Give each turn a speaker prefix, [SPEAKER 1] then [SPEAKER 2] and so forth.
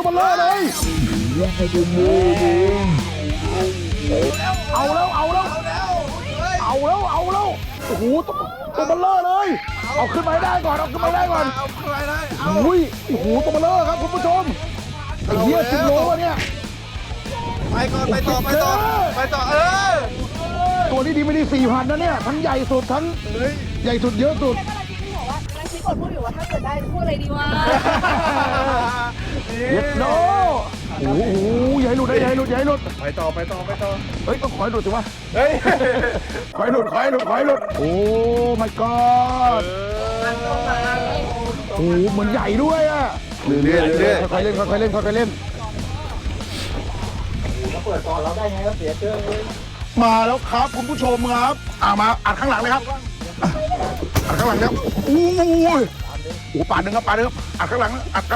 [SPEAKER 1] มันเลอะเลยเอาแล้วโอ้โหตัวมันเลอะเลยเอาขึ้นมาได้ก่อนอุ้ยโอ้โหตัวมันเลอะครับคุณผู้ชมไอ้เหี้ย10 โลเนี่ย
[SPEAKER 2] ไปต่อ
[SPEAKER 1] ตัวนี้ดีไม่ดี4,000นะเนี่ยทั้งใหญ่สุดทั้งใหญ่สุดเยอะสุด
[SPEAKER 3] บอกว่ากำลังคิดกดพูดอยู่ว่าถ้าเกิดได้พูดอะไรดีวะ
[SPEAKER 1] เย็ดโนโอ้โหอย่าให้หลุดไปต่อเฮ้ยต้องขอให้หลุดสิวะขอให้หลุดโอ้ my god โอ้เหมือนใหญ่ด้วยอ่ะเรื่อยค่อยๆเล่นเปิดก่อนเราได้ไงก็เสียเชื่อมาแล้วครับคุณผู้ชมครับมาอัดข้างหลังเลยครับอัดข้างหลังครับโอ้ปาดหนึ่งครับอัดข้างหลังอัด